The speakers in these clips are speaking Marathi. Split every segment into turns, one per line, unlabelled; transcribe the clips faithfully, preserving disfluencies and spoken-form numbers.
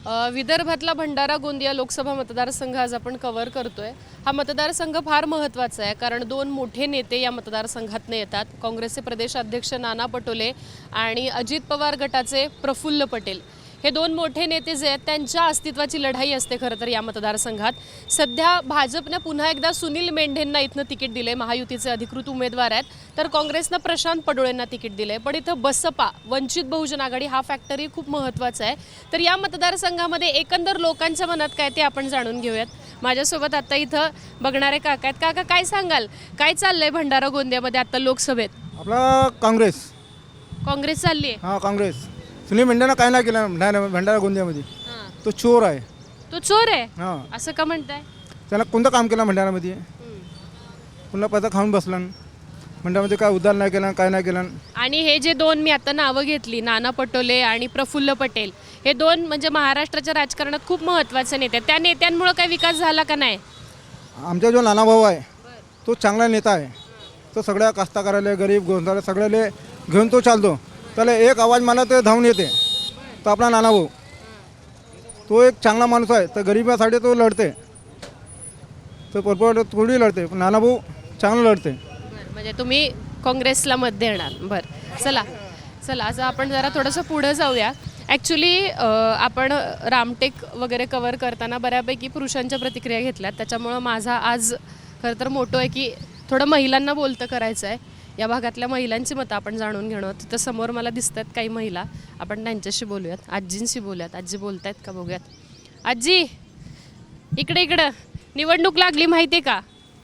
अ, विदर्भातला भंडारा गोंदिया लोकसभा मतदारसंघ आज आपण कव्हर करतोय। हा मतदारसंघ फार महत्त्वाचा आहे कारण दोन मोठे नेते या मतदारसंघातून येतात। काँग्रेसचे प्रदेशाध्यक्ष नाना पटोले आणि अजित पवार गटाचे प्रफुल्ल पटेल हे दोन मोठे नेते जे आहेत त्यांच्या अस्तित्वाची लढाई असते खरं तर या मतदारसंघात। सध्या भाजपने पुन्हा एकदा सुनील मेंढेंना इथनं तिकीट दिले, महायुतीचे अधिकृत उमेदवार आहेत, तर काँग्रेसनं प्रशांत पडोळेंना तिकीट दिले। पण इथं बसपा वंचित बहुजन आघाडी हा फॅक्टरी खूप महत्त्वाचा आहे। तर या मतदारसंघामध्ये एकंदर लोकांच्या मनात काय ते आपण जाणून घेऊयात। माझ्यासोबत आता इथं बघणारे काका आहेत। काका काय सांगाल, काय चाललंय भंडारा गोंदियामध्ये आता लोकसभेत?
आपला काँग्रेस
काँग्रेस चालली आहे।
हां काँग्रेस सुनील मेंढेनं काय नाही केलं भंडारा भंडारा गोंदियामध्ये। तो चोर आहे।
तो चोर आहे
हां
असं का म्हणताय?
त्याला कोणतं काम केलं भंडारामध्ये? पुन्हा पैसा खाऊन बसला। भंडारामध्ये काय उद्धार नाही केला, काय नाही केलं।
आणि हे जे दोन मी आता नावं घेतली, नाना पटोले आणि प्रफुल्ल पटेल, हे दोन म्हणजे महाराष्ट्राच्या राजकारणात खूप महत्त्वाचे नेते आहेत। त्या नेत्यांमुळे काही विकास झाला का नाही?
आमचा जो नाना भाऊ आहे तो चांगला नेता आहे। तो सगळ्या कास्तकाराले गरीब गोंधळ सगळ्याले घेऊन तो चालतो। त्याला एक आवाज मला ते धावून येते, तो आपला नाना भाऊ। तो एक चांगला माणूस आहे, तर गरिबासाठी तो लढते, तो भरपूर थोडी लढते, पण नाना भाऊ चांगलं लढते।
म्हणजे तुम्ही काँग्रेसला मत देणार? बरं, चला चला आज आपण जरा थोडंसं पुढं जाऊया। ॲक्च्युली आपण रामटेक वगैरे कवर करताना बऱ्यापैकी पुरुषांच्या प्रतिक्रिया घेतल्यात, त्याच्यामुळं माझा आज खरं तर मोठं आहे की थोडं महिलांना बोलतं करायचं आहे। या भागातल्या महिलांची मतं आपण जाणून घेणं। तिथं समोर मला दिसत आहेत काही महिला, आपण त्यांच्याशी बोलूयात, आजींशी बोलूयात। आजी बोलत आहेत का बघूयात। आजी इकडे इकडं, निवडणूक लागली माहिती आहे का?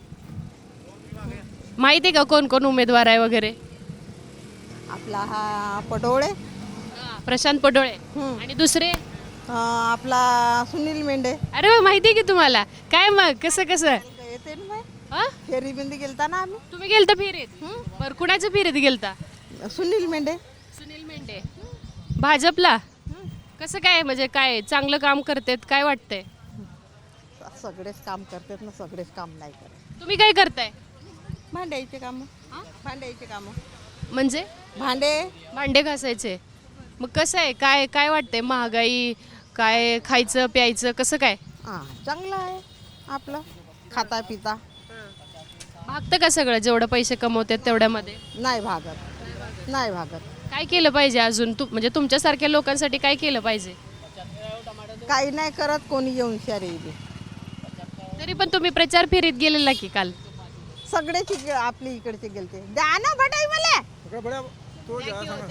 माहिती आहे का कोण कोण उमेदवार आहे वगैरे?
आपला हा पटोळे,
प्रशांत पडोळे आणि दुसरे
अं, आपला सुनील मेंढे
अरे वा, माहिती आहे की तुम्हाला? काय मग कसं कसं
येते ना बाई.
हा?
फेरी बिंदी गेलता ना आम्ही.
तुम्ही गेलता फिरीत? बरं, कुणाच्या फिरीत गेलता?
सुनील मेंढे.
सुनील मेंढे भाजपला? कसं काय म्हणजे काय चांगलं काम करतेत काय वाटतंय?
सगळेच काम करतात ना, सगळेच काम नाही करत.
तुम्ही काय करताय?
भांड्याचे कामं, भांड्याचे कामं,
म्हणजे
भांडे.
भांडे घासायचे? मग कसं आहे, काय काय वाटतंय, महागाई काय, खायचं प्यायचं कसं काय?
हां चांगलं आहे आपलं, खाता पिता.
भागतं का सगळं जेवढं पैसे कमवतात तेवढ्यामध्ये?
नाही भागत, नाही भागत.
काय केलं पाहिजे अजून तू म्हणजे तुमच्यासारख्या लोकांसाठी काय केलं पाहिजे?
काही नाही करत कोणी येऊन शहरी.
तरी पण तुम्ही प्रचार फेरीत गेलेला की काल?
सगळेच इकडे आपली इकडचे गेलते. द्या ना भटाई मला.
तो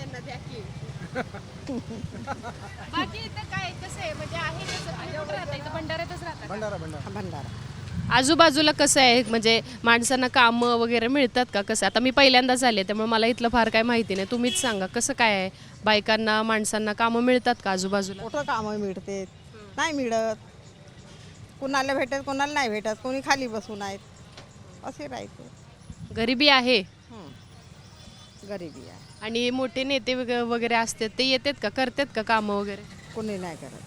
बाकी इथं काय कसं आहे म्हणजे आहे कसं, कुठं राहता? इथं भंडाऱ्यातच राहता?
भंडारा भंडारा
भंडारा.
आजूबाजूला कसं आहे म्हणजे माणसांना कामं वगैरे मिळतात का? कसं आता मी पहिल्यांदाच आले त्यामुळे मला इथलं फार काय माहिती नाही, तुम्हीच सांगा कसं काय आहे, बायकांना माणसांना कामं मिळतात का आजूबाजूला?
मोठं कामं मिळते, नाही मिळत. कुणाला भेटत कोणाला नाही भेटत, कोणी खाली बसून आहेत, असे राहते.
गरिबी आहे
हं. गरिबी आहे,
आणि मोठे नेते वग- वगैरे असतात ते येतात का, करतात का कामं वगैरे?
कोणी नाही करत.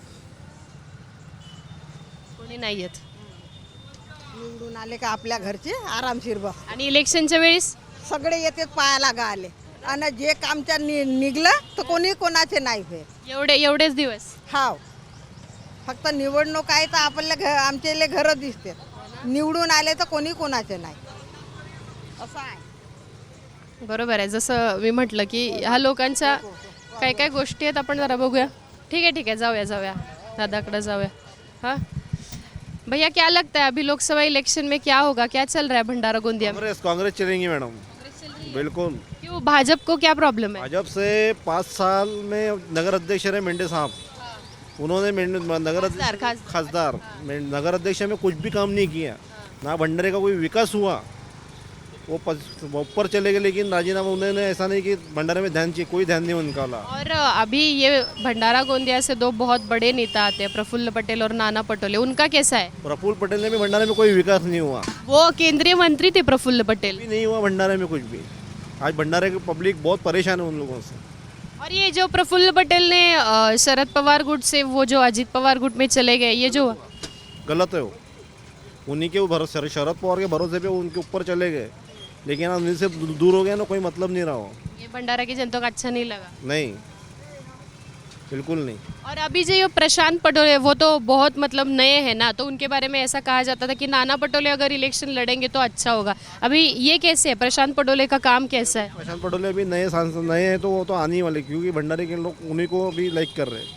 कोणी नाही येत.
निवडून आले का आपल्या घरचे आरामशीर बस.
आणि इलेक्शनच्या वेळेस
सगळे येतात पायाला गा आले, आणि जे कामच्या नि निघलं तर कोणी कोणाचे नाही होत.
एवढे एवढेच दिवस?
हाव, फक्त निवडणूक आहे तर आपल्या घ आमचे घरं दिसते. निवडून आले तर कोणी कोणाचे नाही, असं आहे.
बरोबर आहे, जसं मी म्हटलं की ह्या लोकांच्या काय काय गोष्टी आहेत आपण जरा बघूया। ठीक है ठीक है, जाऊया जाऊया दादाकडे जाऊया। हाँ भैया, क्या लगता है अभी लोकसभा इलेक्शन में क्या होगा, क्या चल रहा है भंडारा गोंदिया में?
कांग्रेस कांग्रेस चलेंगी मैडम, बिल्कुल।
क्यों, भाजपा को क्या प्रॉब्लम है?
भाजपा से पाँच साल में नगर अध्यक्ष रहे मेंढे साहब, उन्होंने मेंढे- नगर
खासदार,
अध्यक्ष
खास-
खासदार में- नगर अध्यक्ष में कुछ भी काम नहीं किया, ना भंडारे का कोई विकास हुआ। वो पस- वो ऊपर चले गए, लेकिन राजीनामा उन्होंने ऐसा नहीं कि भंडारे में ध्यान चाहिए, कोई ध्यान नहीं उनका।
और अभी ये भंडारा गोंदिया से दो बहुत बड़े नेता आते हैं, प्रफुल्ल पटेल और नाना पटोले, उनका कैसा है?
प्रफुल्ल पटेल ने भी भंडारे में कोई विकास नहीं हुआ,
वो केंद्रीय मंत्री थे प्रफुल्ल पटेल।
भी नहीं हुआ भंडारे में कुछ भी। आज भंडारे की पब्लिक बहुत परेशान है उन लोगों से।
और ये जो प्रफुल्ल पटेल ने अ, शरद पवार गुट से वो जो अजित पवार गुट में चले गए, ये जो
गलत है वो, उन्हीं के भरोसे, शरद पवार के भरोसे पे उनके ऊपर चले गए, लेकिन अब उनसे दूर हो गया ना, कोई मतलब नहीं रहा हो।
ये भंडारा की जनता को अच्छा नहीं लगा।
नहीं, बिल्कुल नहीं।
और अभी जो ये प्रशांत पटोले वो तो बहुत मतलब नए हैं ना, तो उनके बारे में ऐसा कहा जाता था कि नाना पटोले अगर इलेक्शन लड़ेंगे तो अच्छा होगा। अभी ये कैसे है, प्रशांत पटोले का काम कैसा है?
प्रशांत पटोले अभी नए सांसद नए हैं तो वो तो आने ही वाले, क्योंकि भंडारी के लोग उन्हीं को अभी लाइक कर रहे हैं।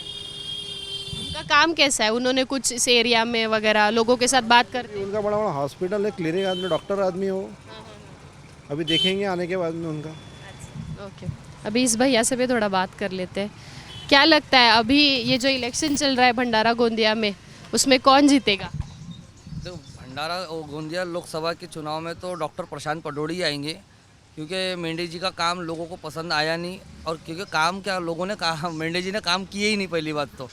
उनका काम कैसा है? उन्होंने कुछ इस एरिया में वगैरह लोगों के साथ बात कर
उनका बड़ा बड़ा हॉस्पिटल है, क्लिनिक आदमी, डॉक्टर आदमी हो। अभी देखेंगे आने के बाद में उनका।
ओके, अभी इस भैया से भी थोड़ा बात कर लेते हैं। क्या लगता है अभी ये जो इलेक्शन चल रहा है भंडारा गोंदिया में, उसमें कौन जीतेगा?
तो भंडारा और गोंदिया लोकसभा के चुनाव में तो डॉक्टर प्रशांत पटोले ही आएंगे, क्योंकि मेंढे जी का काम लोगों को पसंद आया नहीं। और क्योंकि काम क्या लोगों ने कहा, मेंढे जी ने काम किए ही नहीं। पहली बात तो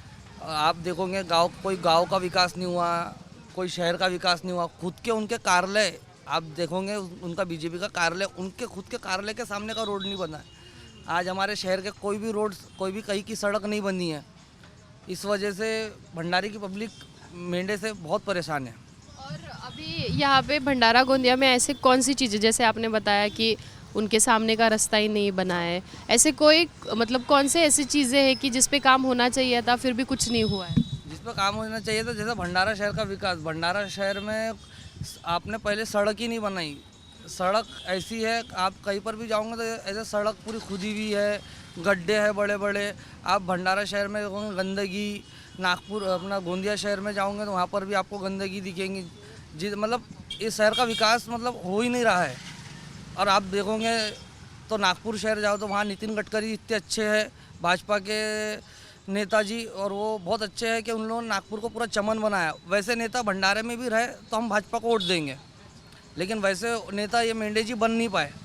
आप देखोगे गांव कोई गांव का विकास नहीं हुआ, कोई शहर का विकास नहीं हुआ। खुद के उनके कार्यालय आप देखोगे, उनका बीजेपी का कार्यालय, उनके खुद के कार्यालय के सामने का रोड नहीं बना है। आज हमारे शहर के कोई भी रोड, कोई भी कहीं की सड़क नहीं बनी है। इस वजह से भंडारी की पब्लिक मेंढे से बहुत परेशान है।
और अभी यहाँ पे भंडारा गोंदिया में ऐसे कौन सी चीज़ें, जैसे आपने बताया कि उनके सामने का रास्ता ही नहीं बना है, ऐसे कोई मतलब कौन से ऐसी चीज़ें हैं कि जिस पे काम होना चाहिए था फिर भी कुछ नहीं हुआ है?
जिस पर काम होना चाहिए था, जैसे भंडारा शहर का विकास। भंडारा शहर में आपने पहले सड़क ही नहीं बनाई। सड़क ऐसी है, आप कहीं पर भी जाओगे तो ऐसे सड़क पूरी खुदी हुई है, गड्ढे हैं बड़े बड़े। आप भंडारा शहर में देखोगे गंदगी, नागपुर अपना गोंदिया शहर में जाओगे तो वहाँ पर भी आपको गंदगी दिखेंगी। जी मतलब इस शहर का विकास मतलब हो ही नहीं रहा है। और आप देखोगे तो नागपुर शहर जाओ तो वहाँ नितिन गडकरी इतने अच्छे हैं, भाजपा के नेताजी, और वो बहुत अच्छे हैं कि उन लोगों ने नागपुर को पूरा चमन बनाया। वैसे नेता भंडारे में भी रहे तो हम भाजपा को वोट देंगे, लेकिन वैसे नेता ये मेंढे जी बन नहीं पाए।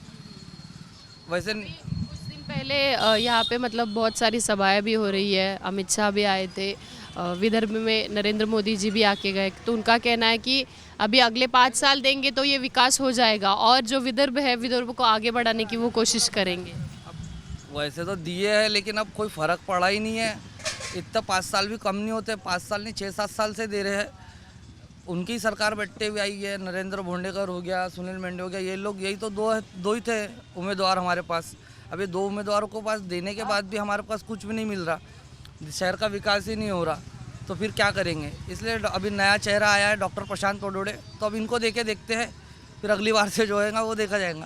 वैसे
कुछ दिन पहले अ, यहाँ पे मतलब बहुत सारी सभाएं भी हो रही है, अमित शाह भी आए थे, अ, विदर्भ में नरेंद्र मोदी जी भी आके गए, तो उनका कहना है कि अभी अगले पाँच साल देंगे तो ये विकास हो जाएगा और जो विदर्भ है विदर्भ को आगे बढ़ाने की वो कोशिश करेंगे।
वैसे तो दिए हैं, लेकिन अब कोई फ़र्क पड़ा ही नहीं है। इतना पाँच साल भी कम नहीं होते, पाँच साल नहीं छः सात साल से दे रहे हैं। उनकी सरकार बैठते हुए आई है, नरेंद्र भोंडेकर हो गया, सुनील मेंढे हो गया, ये लोग यही तो दो है, दो ही थे उम्मीदवार हमारे पास। अभी दो उम्मीदवारों को पास देने के बाद भी हमारे पास कुछ भी नहीं मिल रहा, शहर का विकास ही नहीं हो रहा, तो फिर क्या करेंगे। इसलिए अभी नया चेहरा आया है डॉक्टर प्रशांत पटोले, तो अब इनको देके देखते हैं, फिर अगली बार से जो होएगा वो देखा जाएगा।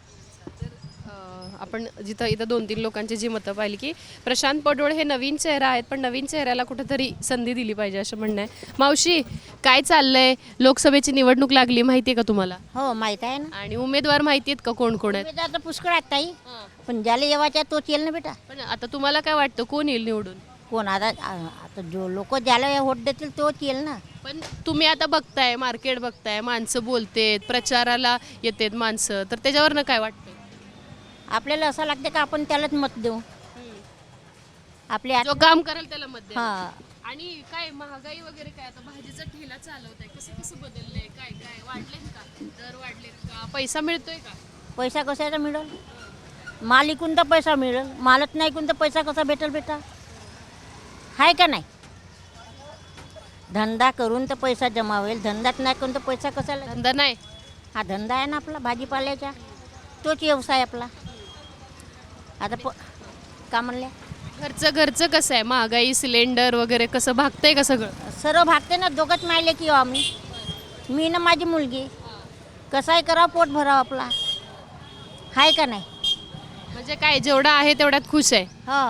आपण जिथं इथं दोन तीन लोकांची जी मतं पाहिली की प्रशांत पटोळे हे नवीन चेहरा आहेत, पण नवीन चेहऱ्याला कुठेतरी संधी दिली पाहिजे असं म्हणणं आहे। मावशी, काय चाललंय? लोकसभेची निवडणूक लागली, माहिती आहे का तुम्हाला?
हो माहीत आहे ना.
आणि उमेदवार माहिती आहेत का कोण कोण आहेत?
उमेदवार तर पुष्कळ आहेत ताई, पण ज्याला येवाच्या तोच येईल ना बेटा.
पण आता तुम्हाला काय वाटतं कोण येईल निवडून?
कोण आता आता जो लोक ज्याला वोट देतील तोच येईल ना.
पण तुम्ही आता बघताय, मार्केट बघताय, माणसं बोलतेत, प्रचाराला येतेत माणसं, तर त्याच्यावरनं काय वाटतं?
आपल्याला असं लागते का आपण त्यालाच मत देऊ. आपले
जो काम करेल त्याला मत द्या.
हां
आणि काय महागाई वगैरे काय, आता भाजीचा ठेला चालवताय, कसं कसं बदललंय, काय काय वाढलेत का, दर वाढलेत का, पैसा मिळतोय का?
पैसा कशाचा मिळेल? माल इकून तर पैसा मिळेल, मालच नाही इकून तर पैसा कसा भेटेल बेटा? आहे का नाही? धंदा करून तर पैसा जमा होईल, धंदाच नाही करून तर पैसा कसा?
धंदा नाही.
हा धंदा आहे ना आपला भाजीपाल्याचा, तोच व्यवसाय आपला. आता प का म्हणल्या
घरचं घरचं कसं आहे, महागाई सिलेंडर वगैरे कसं भागतंय का सगळं?
सर्व भागते ना. दोघंच मायले की आम्ही, मी ना माझी मुलगी. कसाही करावं, पोट भरावं आपला. आहे का नाही?
म्हणजे काय जेवढं आहे तेवढ्यात खुश आहे.
हो.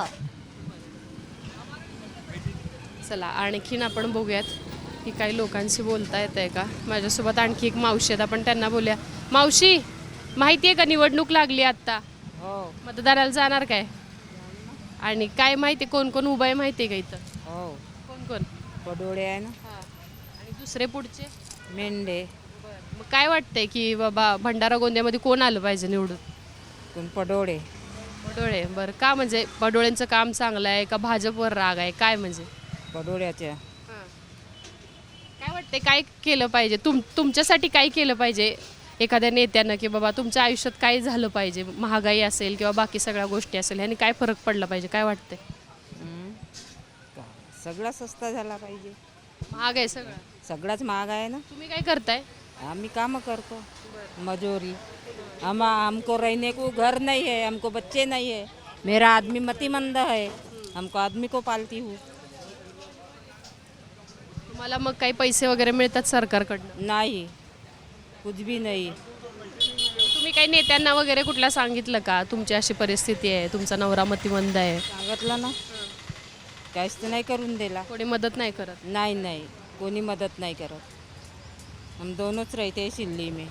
चला आणखीन आपण बघूयात की काही लोकांशी बोलता येत आहे का. माझ्यासोबत आणखी एक मावशी आहेत, आपण त्यांना बोलूया. मावशी, माहिती आहे का निवडणूक लागली आत्ता?
हो
मतदाराला जाणार काय? आणि काय माहिती कोण कोण उभं आहे माहिती आहे का इथं?
हो
कोण कोण?
पडोळे आहे ना,
आणि दुसरे पुढचे?
मेंढे.
मग काय वाटतंय की बाबा भंडारा गोंदियामध्ये कोण आलं पाहिजे निवडून?
कोण पडोळे.
पडोळे. बरं, का म्हणजे पडोळेंचं काम चांगलं आहे का भाजपवर राग आहे, काय म्हणजे?
पडोळ्याच्या
काय वाटते काय केलं पाहिजे, तुम तुमच्यासाठी काय केलं पाहिजे एखाद्या नेत्यानं, की बाबा तुमच्या आयुष्यात काय झालं पाहिजे, महागाई असेल किंवा बाकी सगळ्या गोष्टी असेल, ह्यानी काय फरक पडला पाहिजे, काय वाटतंय?
हं. सगळा सस्ता झाला पाहिजे.
महाग आहे सगळं.
सगळाच महाग आहे ना.
तुम्ही काय करताय?
आम्ही कामं करतो, मजूरी. हम हमको रहने को घर नहीं है, हमको बच्चे नहीं है, मेरा आदमी मतिमंद है, हमको आदमी को पालती हूँ।
तुम्हाला मग काही पैसे वगैरे मिळतात सरकारकडनं?
नहीं, कुछ भी नहीं।
तुम्ही काही नेत्यांना वगैरे कुठल्या सांगितलं का तुमची अशी परिस्थिती आहे, तुमचा नवरा मतिमंद आहे,
सांगितलं ना, काहीच तर नाही करून दिला।
कोणी मदत नाही करत?
नहीं नहीं, कोई मदद नहीं करत। हम दोनोंच रहते हैं सिल्ली में।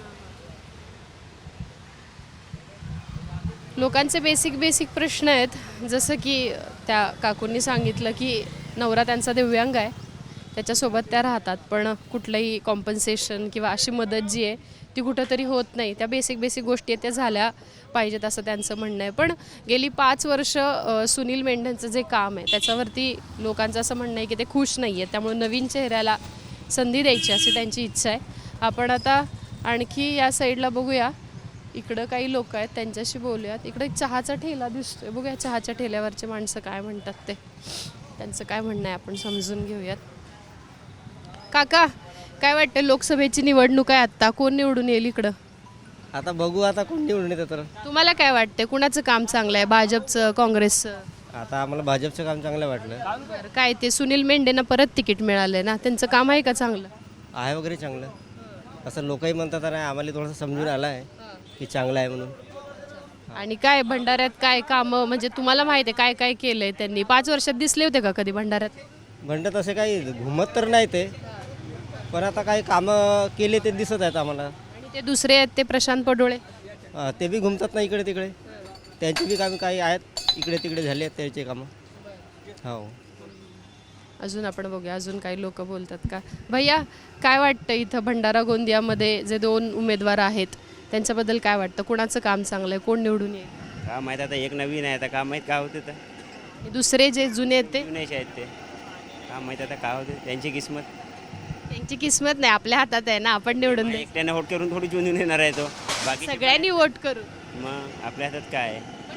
लोकांचे बेसिक बेसिक प्रश्न आहेत, जसं की त्या काकूंनी सांगितलं की नवरा त्यांचा दिव्यांग आहे, त्याच्यासोबत त्या राहतात, पण कुठलंही कॉम्पन्सेशन किंवा अशी मदत जी आहे ती कुठंतरी होत नाही. त्या बेसिक बेसिक गोष्टी आहेत त्या झाल्या पाहिजेत असं त्यांचं म्हणणं आहे. पण गेली पाच वर्ष अ, सुनील मेंढ्यांचं जे काम आहे त्याच्यावरती लोकांचं असं म्हणणं आहे की ते खुश नाही आहेत, त्यामुळे नवीन चेहऱ्याला संधी द्यायची अशी त्यांची इच्छा आहे. आपण आता आणखी या साईडला बघूया, इकडं काही लोक आहेत त्यांच्याशी बोलूयात. इकडे एक चहाचा ठेला दिसतोय, बघूया चहाच्या ठेल्यावरचे माणसं काय म्हणतात ते, त्यांचं काय म्हणणं आहे आपण समजून घेऊयात. काका, काय वाटतं, लोकसभेची निवडणूक आहे आत्ता, कोण निवडून येईल इकडं?
आता बघू आता कोण निवडून येतं तर.
तुम्हाला काय वाटतं, कुणाचं काम चांगलं आहे, भाजपचं, काँग्रेसचं?
आता आम्हाला भाजपचं काम चांगलं वाटलं.
बरं, काय ते सुनील मेंढेंना परत तिकीट मिळालंय ना, त्यांचं काम आहे का चांगलं?
आहे वगैरे चांगलं. असं लोकही म्हणतात नाही, आम्हाला थोडंसं समजून आलं आहे की चांगलं आहे म्हणून.
आणि काय भंडाऱ्यात काय कामं, म्हणजे तुम्हाला माहिती आहे काय काय केलंय त्यांनी? पाच वर्षात दिसले होते का कधी भंडाऱ्यात?
म्हणतात तसे काही घुमत तर नाही ते, पण आता काही कामं केले ते दिसत आहेत आम्हाला.
आणि ते दुसरे आहेत ते प्रशांत पडोळे,
हा, ते बी घुमतात ना इकडे तिकडे, त्यांची बी कामं काही आहेत इकडे तिकडे झाले आहेत त्यांचे कामं. हो.
अजून आपण बघूया अजून काही लोक बोलतात का. भैया, काय वाटतं इथं भंडारा गोंदियामध्ये जे दोन उमेदवार आहेत त्यांच्याबद्दल काय वाटतं, कोणाचं काम चांगलं आहे, कोण निवडून येईल?
का माहीत, आता एक नवीन आहे, आता का माहीत काय होते तर
दुसरे जे जुने आहेत ते?
जुनेच आहेत ते, का माहीत आता काय होते त्यांची किस्मत.
त्यांची किस्मत नाही, आपल्या हातात आहे ना, आपण निवडून द्यायचं.
एकट्याने वोट करून थोडी जुनून येणार आहे तो, बाकी
सगळ्यांनी वोट करू.
मग आपल्या हातात काय आहे.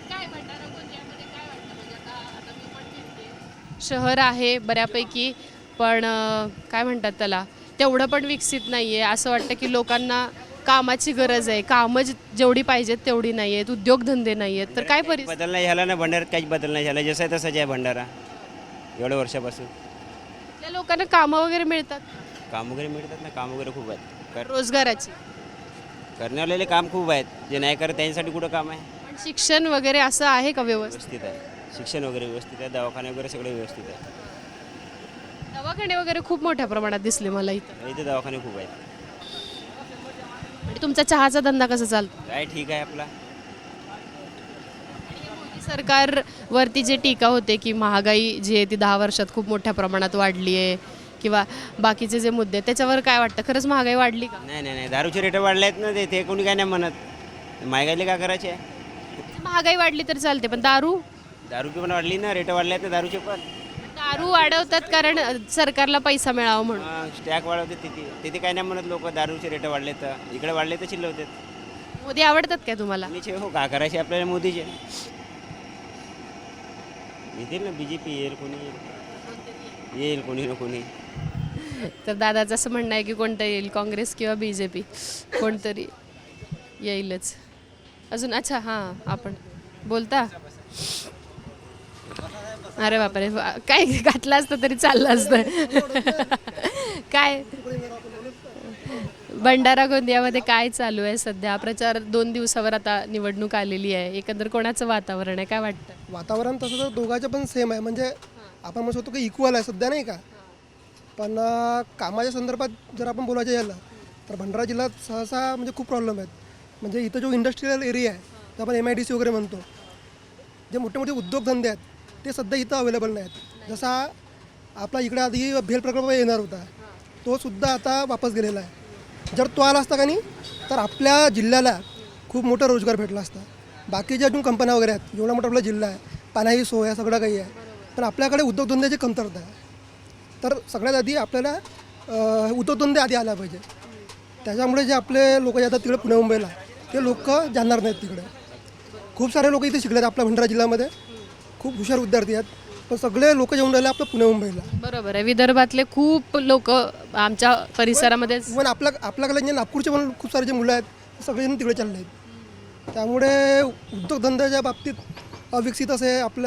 शहर आहे बऱ्यापैकी, पण अं, काय म्हणतात त्याला, तेवढं पण विकसित नाही आहे. असं वाटतं की लोकांना कामाची गरज आहे, कामं जे- जेवढी पाहिजेत तेवढी नाही आहेत, उद्योगधंदे नाही आहेत, तर काय परिस्थिती?
बदल नाही झाला ना भंडाऱ्यात, काहीच बदल नाही झाला, जसं आहे तसंच आहे भंडारा एवढ्या वर्षापासून.
त्या लोकांना कामं वगैरे मिळतात,
काम वगैरे मिळतात ना, काम वगैरे खूप आहेत, कर
रोजगाराची,
करण्यावालेले काम खूप आहेत, जे नाही करत त्यांच्यासाठी कुठं काम आहे.
पण शिक्षण वगैरे असं आहे का व्यवस्थित?
व्यवस्थित आहे, शिक्षण वगैरे व्यवस्थित आहे, दवाखाने वगैरे सगळे व्यवस्थित आहे.
दवाखाने वगैरे खूप मोठ्या प्रमाणात दिसले मला इथं.
इथे दवाखाने खूप आहेत.
आणि तुमचा चहाचा धंदा कसा चालतो?
काय ठीक आहे आपला.
मोदी सरकारवरती जे टीका होते की महागाई जी आहे ती दहा वर्षात खूप मोठ्या प्रमाणात वाढली आहे किंवा बाकीचे जे मुद्दे आहेत, त्याच्यावर काय वाटतं, खरंच महागाई वाढली का?
नाही नाही नाही, दारूचे रेट वाढले आहेत ना, ते ते कोणी काय नाही म्हणत, महागाईले का करायचे आहे.
महागाई वाढली तर चालते, पण दारू
दारूची पण वाढली ना, रेट वाढले आहेत ना दारूचे पण.
दारू वाढवतात कारण अ, सरकारला पैसा मिळावा म्हणून.
स्टॅक वाढवते तिथे तिथे काय नाही म्हणत लोक, दारूचे रेट वाढले तर इकडे वाढले तर चिल्लवतात.
मोदी आवडतात काय तुम्हाला?
मोदीचे हो, का करायचे आपल्याला मोदीचे. येतील ना, बी जे पी येईल, कोणी येईल येईल कोणी ना कोणी.
तर दादाचं असं म्हणणं आहे की कोणतं येईल, काँग्रेस किंवा बी जे पी, कोणतरी येईलच. अजून अच्छा हां, आपण बोलता. अरे बापरे, वा- काय घातलं असतं तरी चाललं असतं. काय भंडारा गोंदियामध्ये काय चालू आहे सध्या? प्रचार दोन दिवसावर आता निवडणूक आलेली आहे, एकंदर कोणाचं वातावरण आहे, काय वाटतं?
वातावरण तसं तर दोघांचं पण सेम आहे, म्हणजे आपण म्हणू शकतो की इक्वल आहे सध्या, नाही का. पण अं, कामाच्या संदर्भात जर आपण बोलायचं झालं तर भंडारा जिल्ह्यात सहसा म्हणजे खूप प्रॉब्लेम आहेत. म्हणजे इथं जो इंडस्ट्रियल एरिया आहे, ते आपण एम आय डी सी वगैरे म्हणतो, जे मोठे मोठे उद्योगधंदे आहेत ते सध्या इथं अवेलेबल नाही आहेत. जसा आपला इकडे आधी भेल प्रकल्प येणार होता, तो सुद्धा आता वापस गेलेला आहे. जर तो आला असता का नाही तर आपल्या जिल्ह्याला खूप मोठा रोजगार भेटला असता. बाकीच्या अजून कंपन्या वगैरे आहेत, एवढा मोठा आपला जिल्हा आहे, पाण्याची सोय आहे, सगळं काही आहे, पण आपल्याकडे उद्योगधंद्याची कमतरता आहे. तर सगळ्यात आधी आपल्याला अं, उद्योगधंदे आधी आला पाहिजे. त्याच्यामुळे जे आपले लोक जातात तिकडे पुणे मुंबईला, ते लोक जाणार नाहीत तिकडे. खूप सारे लोक इथे शिकले आहेत आपल्या भंडारा जिल्ह्यामध्ये, खूप हुशार विद्यार्थी आहेत, पण सगळे लोक येऊन राहिले आपल्या पुणे मुंबईला.
बरोबर आहे, विदर्भातले खूप लोक आमच्या परिसरामध्ये.
इव्हन आपल्या आपल्याकडे जे नागपूरचे पण खूप सारे जे मुलं आहेत सगळेजण तिकडे चालले आहेत. त्यामुळे उद्योगधंद्याच्या बाबतीत अविकसित असे आपलं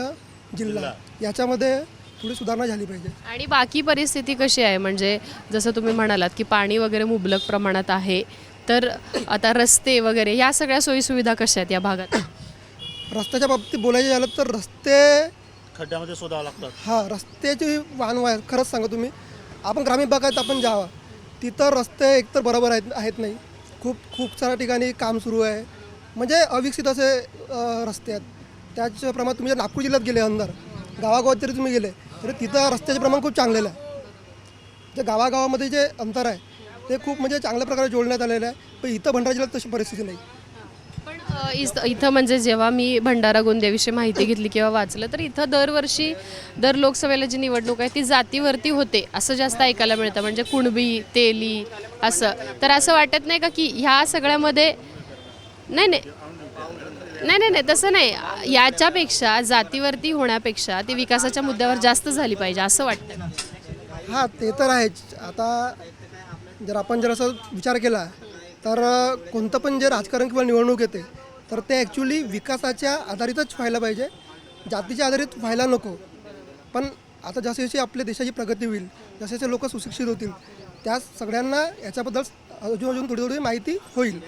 जिल्हा याच्यामध्ये थोडी सुधारणा झाली पाहिजे.
आणि बाकी परिस्थिती कशी आहे? म्हणजे जसं तुम्ही म्हणालात की पाणी वगैरे मुबलक प्रमाणात आहे, तर आता रस्ते वगैरे ह्या सगळ्या सोयीसुविधा कशा आहेत या भागात?
रस्त्याच्या बाबतीत बोलायचे झालं तर रस्ते
खड्ड्यामध्ये शोधावं लागतात.
हां, रस्त्याची वाहन वाय खरंच सांगा तुम्ही, आपण ग्रामीण भागात आपण जावा, तिथं रस्ते एकतर बरोबर आहेत आहेत नाही, खूप खूप साऱ्या ठिकाणी काम सुरू आहे, म्हणजे अविकसित असे अ, रस्ते आहेत. त्याचप्रमाणे तुम्ही जर नागपूर जिल्ह्यात गेले अंदर गावागावात जरी तुम्ही गेले तरी तिथं रस्त्याचे प्रमाण खूप चांगलेलं आहे. जे गावागावामध्ये जे अंतर आहे ते खूप म्हणजे चांगल्या प्रकारे जोडण्यात आलेलं आहे, पण इथं भंडारा जिल्ह्यात तशी परिस्थिती नाही.
पण अ, इस- इथं म्हणजे जेव्हा मी भंडारा गोंदियाविषयी माहिती घेतली किंवा वाचलं, तर इथं दरवर्षी दर लोकसभेला जी निवडणूक आहे ती जातीवरती होते असं जास्त ऐकायला मिळतं. म्हणजे कुणबी, तेली असं. तर असं वाटत नाही का की ह्या सगळ्यामध्ये नाही नाही नाही नाही नाही तसं नाही, याच्यापेक्षा जातीवरती होण्यापेक्षा ती विकासाच्या मुद्द्यावर जास्त झाली पाहिजे असं वाटतं.
हां, ते तर आहेच. आता जर आपण जर असं विचार केला तर कोणतं पण जे राजकारण किंवा निवडणूक येते तर ते ॲक्च्युली विकासाच्या आधारितच व्हायला पाहिजे, जातीच्या आधारित व्हायला नको. पण आता जशी जशी आपल्या देशाची प्रगती होईल, जसे जसे लोक सुशिक्षित होतील, त्या सगळ्यांना याच्याबद्दल अजून अजून थोडी थोडी माहिती होईल.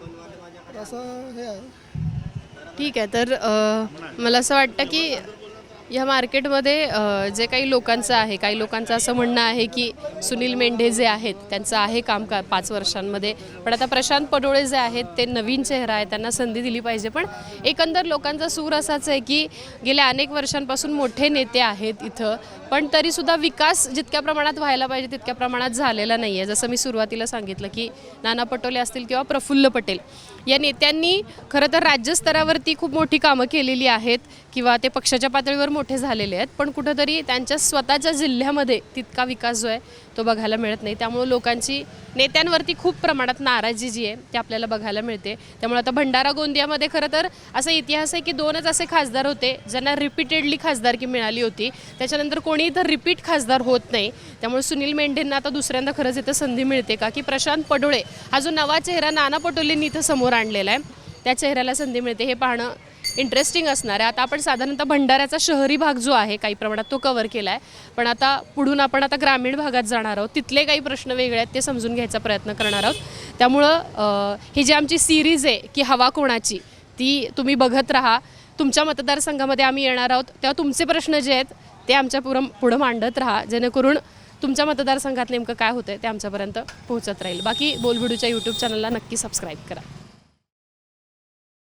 असं हे आहे.
ठीक आहे. तर अ, मला असं वाटतं की या मार्केटमध्ये अ, जे काही लोकांचं आहे, काही लोकांचं असं म्हणणं आहे की सुनील मेंढे जे आहेत त्यांचं आहे काम का पाच वर्षांमध्ये, पण आता प्रशांत पडोळे जे आहेत ते नवीन चेहरा आहे, त्यांना संधी दिली पाहिजे. पण एकंदर लोकांचा सूर असाच आहे की गेल्या अनेक वर्षांपासून मोठे नेते आहेत इथं, पण तरीसुद्धा विकास जितक्या प्रमाणात व्हायला पाहिजे तितक्या प्रमाणात झालेला नाही आहे. जसं मी सुरुवातीला सांगितलं की नाना पटोले असतील किंवा प्रफुल्ल पटेल या नेत्यांनी खरं तर राज्यस्तरावरती खूप मोठी कामं केलेली आहेत किंवा ते पक्षाच्या पातळीवर मोठे झालेले आहेत, पण कुठंतरी त्यांच्या स्वतःच्या जिल्ह्यामध्ये तितका विकास जो आहे तो बघायला मिळत नाही. त्यामुळे लोकांची नेत्यांवरती खूप प्रमाणात नाराजी जी आहे ती आपल्याला बघायला मिळते. त्यामुळे आता भंडारा गोंदियामध्ये खरं तर असा इतिहास आहे की दोनच असे खासदार होते ज्यांना रिपीटेडली खासदारकी मिळाली होती, त्याच्यानंतर कोणी इथं रिपीट खासदार होत नाही. त्यामुळे सुनील मेंढेंना आता दुसऱ्यांदा खरंच इथं संधी मिळते का, की प्रशांत पडोळे हा जो नवा चेहरा नाना पटोलेंनी इथं समोर आणलेला आहे त्या चेहऱ्याला संधी मिळते, हे पाहणं इंटरेस्टिंग असणार आहे. आता आपण साधारणतः भंडाऱ्याचा शहरी भाग जो आहे काही प्रमाणात तो कव्हर केला आहे, पण आता पुढून आपण आता ग्रामीण भागात जाणार आहोत, तिथले काही प्रश्न वेगळे आहेत ते समजून घ्यायचा प्रयत्न करणार आहोत. त्यामुळं अ, ही जी आमची सिरीज आहे की हवा कोणाची, ती तुम्ही बघत राहा. तुमच्या मतदारसंघामध्ये आम्ही येणार आहोत तेव्हा तुमचे प्रश्न जे आहेत ते आमच्या पुढं पुढं मांडत राहा, जेणेकरून तुमच्या मतदारसंघात नेमकं काय होतं ते आमच्यापर्यंत पोहोचत राहील. बाकी बोलबिडूच्या यूट्यूब चॅनलला नक्की सबस्क्राईब करा.